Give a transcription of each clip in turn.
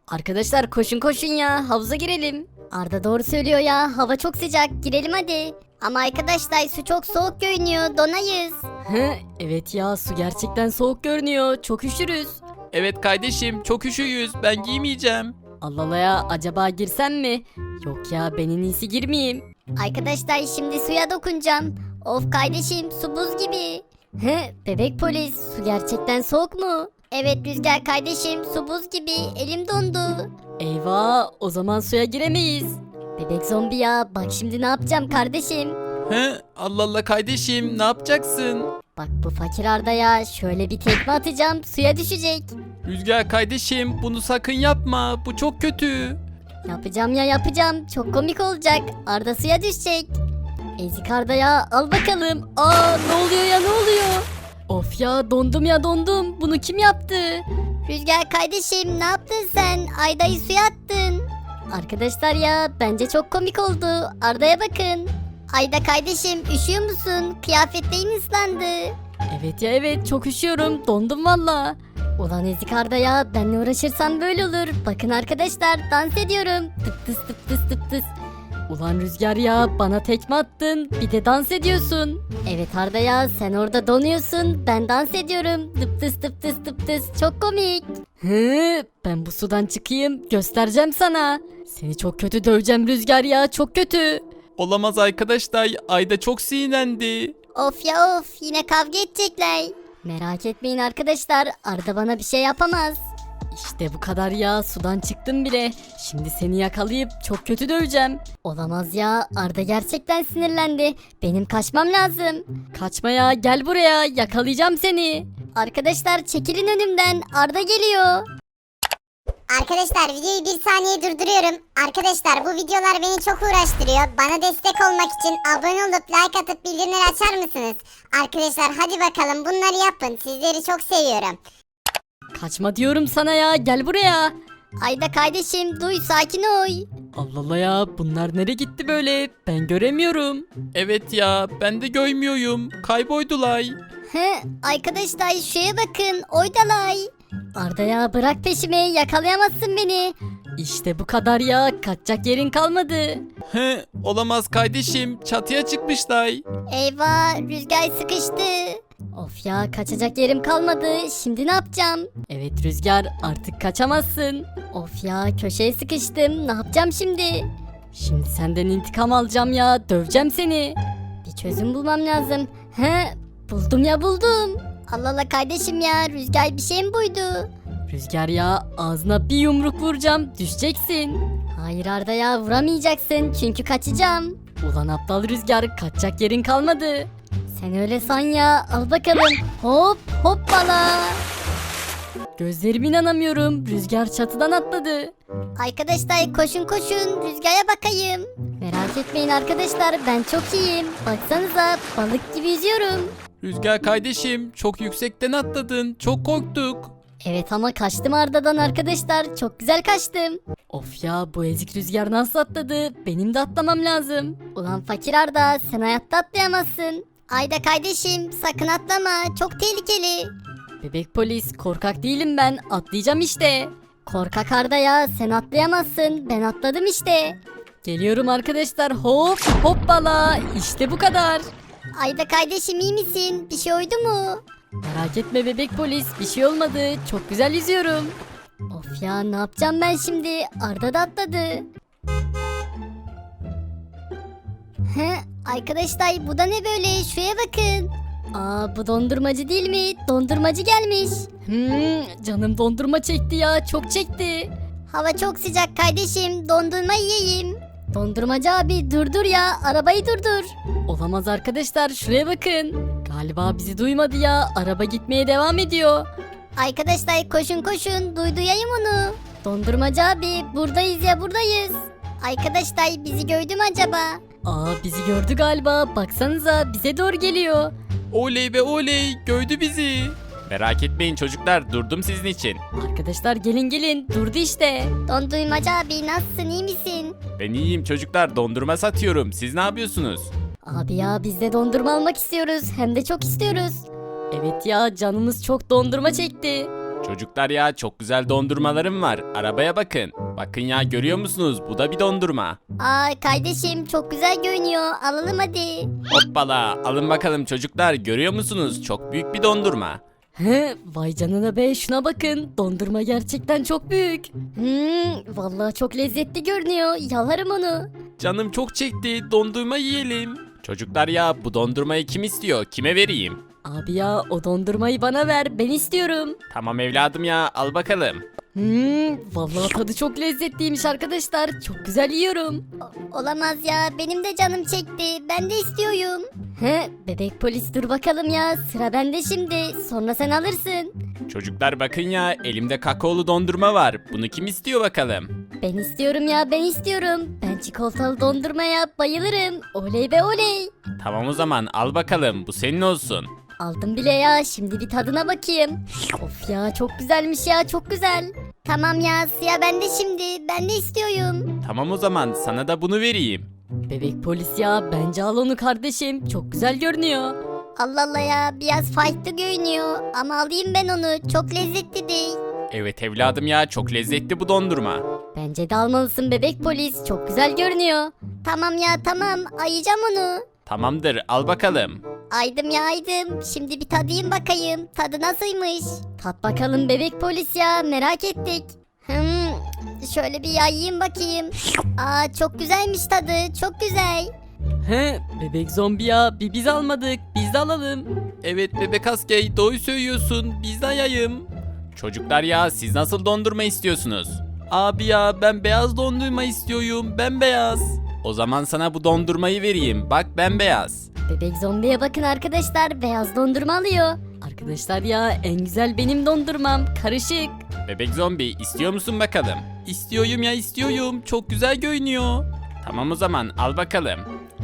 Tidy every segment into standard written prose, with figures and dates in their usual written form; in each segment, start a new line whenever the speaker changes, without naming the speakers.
Arkadaşlar koşun koşun ya, havuza girelim. Arda doğru söylüyor ya, hava çok sıcak, girelim hadi. Ama arkadaşlar su çok soğuk görünüyor, donayız. Evet ya, su gerçekten soğuk görünüyor, çok üşürüz.
Evet kardeşim çok üşüyüz ben giymeyeceğim.
Allah Allah ya, acaba girsem mi? Yok ya, ben en iyisi girmeyeyim. Arkadaşlar şimdi suya dokunacağım. Of kardeşim, su buz gibi. Bebek polis, su gerçekten soğuk mu? Evet Rüzgar kardeşim, su buz gibi, elim dondu. Eyvah, o zaman suya giremeyiz. Bebek zombi ya, bak şimdi ne yapacağım kardeşim.
Allah Allah kardeşim ne yapacaksın?
Bak bu fakir Arda ya, şöyle bir tekme atacağım, suya düşecek.
Rüzgar kardeşim bunu sakın yapma bu çok kötü.
Yapacağım ya yapacağım, çok komik olacak. Arda suya düşecek. Ezik Arda ya, al bakalım. Aa, ne oluyor ya, ne oluyor? Of ya, dondum ya dondum. Bunu kim yaptı? Rüzgar kardeşim, ne yaptın sen? Arda'yı suya attın. Arkadaşlar ya, bence çok komik oldu. Arda'ya bakın. Ayda kardeşim, üşüyor musun? Kıyafetlerin ıslandı. Evet ya evet, çok üşüyorum. Dondum valla. Ulan ezik Arda ya, benle uğraşırsan böyle olur. Bakın arkadaşlar, dans ediyorum. Tıp tıs tıp tıs tıp tıs. Ulan Rüzgar ya, bana tekme attın, bir de dans ediyorsun. Evet Arda ya, sen orada donuyorsun, ben dans ediyorum. Tıp tıs tıp tıs tıp tıs, çok komik. Ben bu sudan çıkayım, göstereceğim sana. Seni çok kötü döveceğim Rüzgar ya, çok kötü.
Olamaz arkadaşlar Ayda çok sinirlendi.
Of ya of, yine kavga edecekler. Merak etmeyin arkadaşlar, Arda bana bir şey yapamaz. İşte bu kadar ya, sudan çıktım bile. Şimdi seni yakalayıp çok kötü döveceğim. Olamaz ya, Arda gerçekten sinirlendi. Benim kaçmam lazım. Kaçma ya, gel buraya, yakalayacağım seni. Arkadaşlar çekilin önümden, Arda geliyor.
Arkadaşlar videoyu bir saniye durduruyorum. Arkadaşlar bu videolar beni çok uğraştırıyor. Bana destek olmak için abone olup like atıp bildirimleri açar mısınız? Arkadaşlar hadi bakalım bunları yapın. Sizleri çok seviyorum.
Kaçma diyorum sana ya, gel buraya. Ayda kardeşim, duy, sakin ol. Allah Allah ya, bunlar nereye gitti böyle, ben göremiyorum.
Evet ya ben de görmüyorum kayboldular.
Arkadaşlar şuraya bakın, oydalay. Arda ya, bırak peşimi, yakalayamazsın beni. İşte bu kadar ya, kaçacak yerin kalmadı.
Olamaz kardeşim çatıya çıkmışlar.
Eyvah, Rüzgar sıkıştı. Of ya, kaçacak yerim kalmadı, şimdi ne yapacağım? Evet Rüzgar, artık kaçamazsın. Of ya, köşeye sıkıştım, ne yapacağım şimdi? Şimdi senden intikam alacağım ya, döveceğim seni. Bir çözüm bulmam lazım. Buldum ya buldum. Allah Allah kardeşim ya, Rüzgar bir şey mi buydu? Rüzgar ya, ağzına bir yumruk vuracağım, düşeceksin. Hayır Arda ya, vuramayacaksın çünkü kaçacağım. Ulan aptal Rüzgar, kaçacak yerin kalmadı. Sen öyle san ya, al bakalım. Hop hoppala. Gözlerime inanamıyorum, Rüzgar çatıdan atladı. Arkadaşlar koşun koşun, Rüzgar'a bakayım. Merak etmeyin arkadaşlar, ben çok iyiyim. Baksanıza, balık gibi yüzüyorum.
Rüzgar kardeşim çok yüksekten atladın çok korktuk.
Evet ama kaçtım Arda'dan arkadaşlar, çok güzel kaçtım. Of ya, bu ezik Rüzgar nasıl atladı, benim de atlamam lazım. Ulan fakir Arda, sen hayatta atlayamazsın. Ayda kardeşim, sakın atlama, çok tehlikeli. Bebek polis, korkak değilim ben, atlayacağım işte. Korkak Arda ya, sen atlayamazsın, ben atladım işte. Geliyorum arkadaşlar, hop hoppala, işte bu kadar. Ayda kardeşim, iyi misin, bir şey oldu mu? Merak etme bebek polis, bir şey olmadı, çok güzel yüzüyorum. Of ya, ne yapacağım ben şimdi, Arda da atladı. Arkadaşlar bu da ne böyle, şuraya bakın. Aa, bu dondurmacı değil mi? Dondurmacı gelmiş. Canım dondurma çekti ya, çok çekti. Hava çok sıcak kardeşim, dondurma yiyeyim. Dondurmacı abi, durdur ya, arabayı durdur. Olamaz arkadaşlar, şuraya bakın. Galiba bizi duymadı ya, araba gitmeye devam ediyor. Arkadaşlar koşun koşun, duyayım onu. Dondurmacı abi, buradayız ya, buradayız. Arkadaşlar bizi gördü mü acaba? Aa, bizi gördü galiba, baksanıza bize doğru geliyor.
Oley ve oley gördü bizi. Merak etmeyin çocuklar durdum sizin için.
Arkadaşlar gelin gelin, durdu işte. Dondurmacı abi, nasılsın, iyi misin?
Ben iyiyim çocuklar dondurma satıyorum siz ne yapıyorsunuz?
Abi ya, biz de dondurma almak istiyoruz, hem de çok istiyoruz. Evet ya, canımız çok dondurma çekti.
Çocuklar ya çok güzel dondurmalarım var. Arabaya bakın. Bakın ya görüyor musunuz? Bu da bir dondurma.
Aa kardeşim çok güzel görünüyor. Alalım hadi.
Hoppala alın bakalım çocuklar görüyor musunuz? Çok büyük bir dondurma.
He, vay canına be şuna bakın. Dondurma gerçekten çok büyük. Vallahi çok lezzetli görünüyor. Yalarım onu.
Canım çok çekti dondurma yiyelim. Çocuklar ya bu dondurmayı kim istiyor? Kime vereyim?
Abi ya o dondurmayı bana ver. Ben istiyorum.
Tamam evladım ya al bakalım.
Vallahi tadı çok lezzetliymiş arkadaşlar. Çok güzel yiyorum. Olamaz ya. Benim de canım çekti. Ben de istiyorum. He, bebek polis dur bakalım ya. Sıra bende şimdi. Sonra sen alırsın.
Çocuklar bakın ya elimde kakaolu dondurma var. Bunu kim istiyor bakalım?
Ben istiyorum ya. Ben istiyorum. Ben çikolatalı dondurmaya bayılırım. Oley be oley.
Tamam o zaman al bakalım bu senin olsun.
Aldım bile ya. Şimdi bir tadına bakayım. Of ya çok güzelmiş ya. Çok güzel. Tamam ya sıra bende şimdi. Ben de istiyorum.
Tamam o zaman sana da bunu vereyim.
Bebek polis ya bence al onu kardeşim. Çok güzel görünüyor. Allah Allah ya biraz farklı görünüyor. Ama alayım ben onu. Çok lezzetli değil.
Evet evladım ya çok lezzetli bu dondurma.
Bence de almalısın bebek polis. Çok güzel görünüyor. Tamam ya tamam. Ayacağım onu.
Tamamdır al bakalım.
Aydım ya aydım. Şimdi bir tadayım bakayım. Tadı nasılmış? Tat bakalım bebek polis ya. Merak ettik. Şöyle bir yayayım bakayım. Aa çok güzelmiş tadı. Çok güzel.
He, bebek zombi ya, biz almadık, biz de alalım.
Evet bebek askey doğru söylüyorsun biz de yayım. Çocuklar ya siz nasıl dondurma istiyorsunuz? Abi ya ben beyaz dondurma istiyorum bembeyaz. O zaman sana bu dondurmayı vereyim bak bembeyaz.
Bebek zombiye bakın arkadaşlar. Beyaz dondurma alıyor.
Arkadaşlar ya, en güzel benim dondurmam, karışık.
Bebek zombi istiyor musun bakalım? İstiyorum ya istiyorum çok güzel görünüyor. Tamam o zaman al bakalım.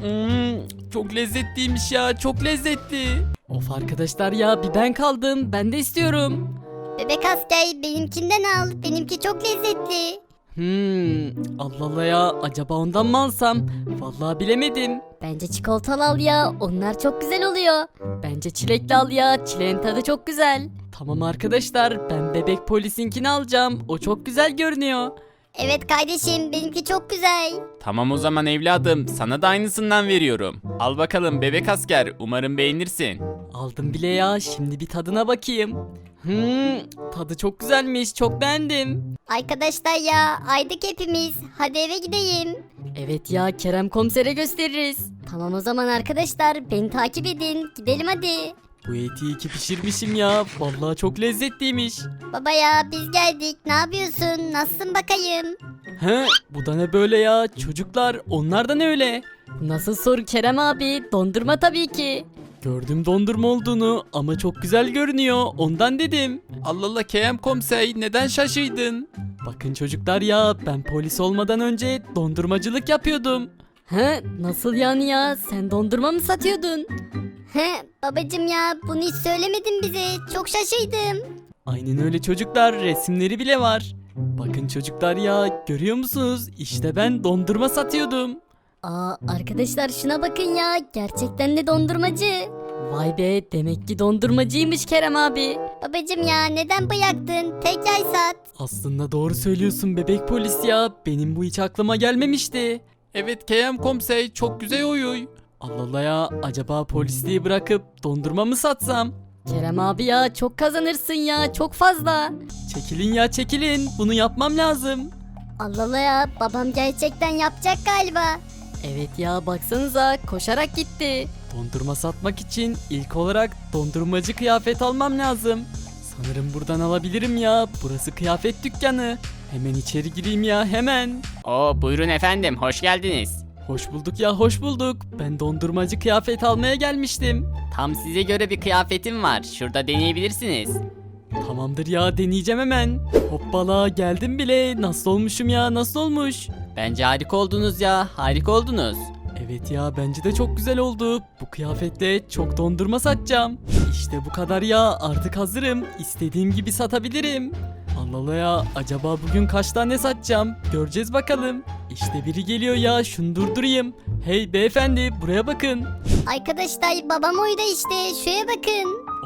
Çok lezzetliymiş ya çok lezzetli.
Of arkadaşlar ya, bir ben kaldım, ben de istiyorum.
Bebek asker benimkinden al. Benimki çok lezzetli.
Allah Allah ya, acaba ondan mı alsam? Vallahi bilemedim.
Bence çikolatalı al ya. Onlar çok güzel oluyor.
Bence çilekli al ya, çileğin tadı çok güzel. Tamam arkadaşlar, ben bebek polisinkini alacağım, o çok güzel görünüyor.
Evet kardeşim benimki çok güzel.
Tamam o zaman evladım sana da aynısından veriyorum. Al bakalım bebek asker umarım beğenirsin.
Aldım bile ya, şimdi bir tadına bakayım. Tadı çok güzelmiş, çok beğendim.
Arkadaşlar ya aydık hepimiz. Hadi eve gideyim.
Evet ya, Kerem komisere gösteririz.
Tamam o zaman arkadaşlar beni takip edin. Gidelim hadi.
Bu eti iyi ki pişirmişim ya, vallahi çok lezzetliymiş.
Baba ya biz geldik. Ne yapıyorsun? Nasılsın bakayım?
He, bu da ne böyle ya? Çocuklar, onlar da ne öyle?
Nasıl soru Kerem abi? Dondurma tabii ki.
Gördüm dondurma olduğunu ama çok güzel görünüyor, ondan dedim.
Allah Allah KM komiser neden şaşırdın?
Bakın çocuklar ya, ben polis olmadan önce dondurmacılık yapıyordum.
He nasıl yani ya? Sen dondurma mı satıyordun? He babacım ya bunu hiç söylemedin bize. Çok şaşırdım.
Aynen öyle çocuklar, resimleri bile var. Bakın çocuklar ya, görüyor musunuz? İşte ben dondurma satıyordum.
Aa arkadaşlar şuna bakın ya. Gerçekten de dondurmacı.
Vay be, demek ki dondurmacıymış Kerem abi.
Babacım ya neden bıraktın? Tekrar sat.
Aslında doğru söylüyorsun bebek polis ya, benim bu hiç aklıma gelmemişti.
Evet KM komiser çok güzel oyuy.
Allah Allah ya, acaba polisliği bırakıp dondurma mı satsam?
Kerem abi ya çok kazanırsın ya çok fazla.
Çekilin ya çekilin, bunu yapmam lazım.
Allah Allah ya babam gerçekten yapacak galiba.
Evet ya, baksanıza koşarak gitti. Dondurma satmak için ilk olarak dondurmacı kıyafet almam lazım. Sanırım buradan alabilirim ya, burası kıyafet dükkanı. Hemen içeri gireyim ya, hemen.
Oo buyurun efendim hoş geldiniz.
Hoş bulduk ya, hoş bulduk. Ben dondurmacı kıyafet almaya gelmiştim.
Tam size göre bir kıyafetim var şurada deneyebilirsiniz.
Tamamdır ya, deneyeceğim hemen. Hoppala, geldim bile. Nasıl olmuşum ya, nasıl olmuş?
Bence harika oldunuz ya harika oldunuz.
Evet ya, bence de çok güzel oldu. Bu kıyafetle çok dondurma satacağım. İşte bu kadar ya, artık hazırım. İstediğim gibi satabilirim. Allah Allah ya, acaba bugün kaç tane satacağım? Göreceğiz bakalım. İşte biri geliyor ya, şunu durdurayım. Hey beyefendi, buraya bakın.
Arkadaşlar babam oyda işte şuraya bakın.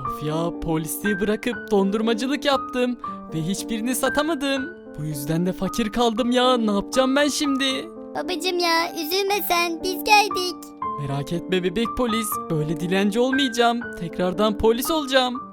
Of ya, polisliği bırakıp dondurmacılık yaptım ve hiçbirini satamadım. Bu yüzden de fakir kaldım ya, ne yapacağım ben şimdi?
Babacım ya üzülme sen, biz geldik.
Merak etme bebek polis, böyle dilenci olmayacağım. Tekrardan polis olacağım.